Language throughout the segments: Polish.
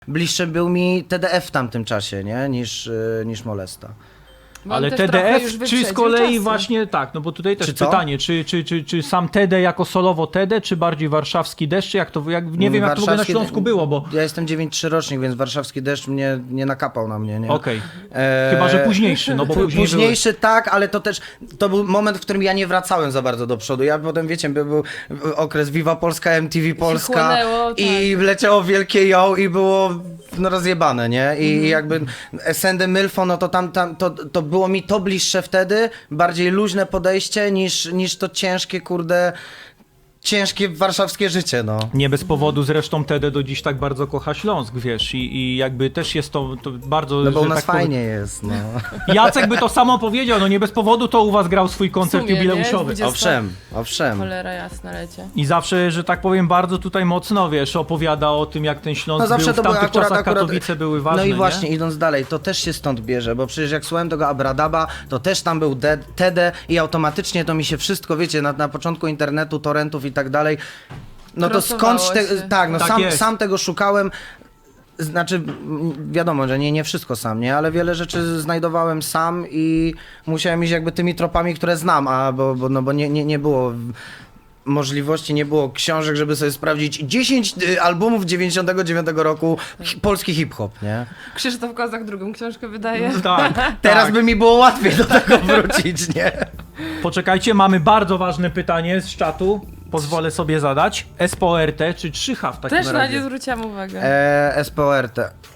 Bliższy był mi TDF w tamtym czasie, nie? Niż Molesta. Bo on Ale też trochę TDF, już czy z wyprzedził kolei czasy. właśnie tak, no bo tutaj też Czy co? pytanie, czy sam TD jako solowo TD, czy bardziej warszawski deszcz, nie wiem jak to w ogóle na Warszawski Śląsku było, bo... Ja jestem 9-3 rocznik, więc warszawski deszcz mnie nie nakapał na mnie, nie? Okej, chyba że późniejszy, no bo później Późniejszy tak, ale to był moment, w którym ja nie wracałem za bardzo do przodu. Ja potem, wiecie, był okres Viva Polska, MTV Polska chłonęło, i leciało wielkie ją i było no, rozjebane, nie? I jakby Sende Mylfo, no to to było mi to bliższe wtedy, bardziej luźne podejście niż to ciężkie, kurde, ciężkie warszawskie życie, no. Nie bez powodu zresztą TD do dziś tak bardzo kocha Śląsk, wiesz, i jakby też jest to bardzo... No bo u że nas tak powiem- fajnie jest, no. Jacek by to samo powiedział, no nie bez powodu to u was grał swój koncert W sumie, jubileuszowy. nie? Owszem. Cholera jasna lecie. I zawsze, że tak powiem, bardzo tutaj mocno, wiesz, opowiada o tym, jak ten Śląsk No zawsze był w to były tamtych czasach, Katowice były ważne, no i właśnie, nie? idąc dalej, to też się stąd bierze, bo przecież jak słuchałem tego Abradaba, to też tam był TD i automatycznie to mi się wszystko, wiecie, na początku internetu, torrentów i tak dalej, no to Krosowało skądś się. tak, no Tak jest. sam tego szukałem. Znaczy, wiadomo, że nie wszystko sam, nie? Ale wiele rzeczy znajdowałem sam i musiałem iść jakby tymi tropami, które znam, bo nie było możliwości, nie było książek, żeby sobie sprawdzić 10 albumów 99 roku polski hip-hop, nie? Krzysztof Kozak drugą książkę wydaje. Tak, Teraz tak. by mi było łatwiej do tego wrócić, nie? Poczekajcie, mamy bardzo ważne pytanie z czatu. Pozwolę sobie zadać. SPORT czy 3H w takim Też na razie? nie zwróciłam uwagę. SPORT.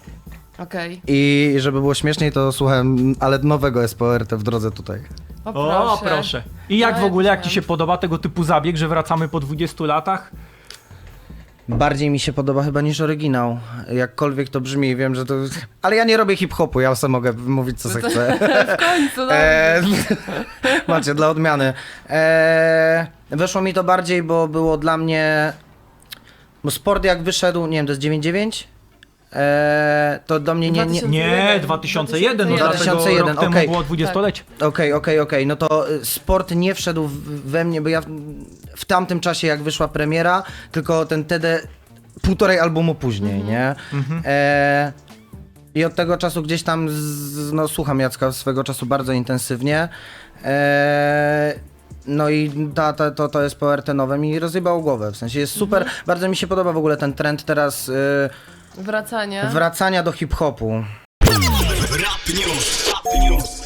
Okej. I żeby było śmieszniej, to słuchałem, ale nowego SPORT w drodze tutaj. O, proszę. I jak No, w ogóle, jak ci wiem. się podoba tego typu zabieg, że wracamy po 20 latach? Bardziej mi się podoba chyba niż oryginał. Jakkolwiek to brzmi, wiem, że to... Ale ja nie robię hip-hopu, ja sobie mogę mówić, co se chcę. W końcu, no. Macie, dla odmiany. Weszło mi to bardziej, bo było dla mnie... Bo sport jak wyszedł, nie wiem, to jest 9-9? To do mnie nie... Nie, 2001, no 2001, rok temu okej. było 20-lecie. Okej, no to sport nie wszedł we mnie, bo ja w tamtym czasie jak wyszła premiera, tylko ten TD półtorej albumu później, nie? I od tego czasu gdzieś tam no, słucham Jacka swego czasu bardzo intensywnie. No i to jest PRT nowe mi rozjebało głowę, w sensie jest super, bardzo mi się podoba w ogóle ten trend teraz Wracanie. wracania do hip-hopu. Rap News.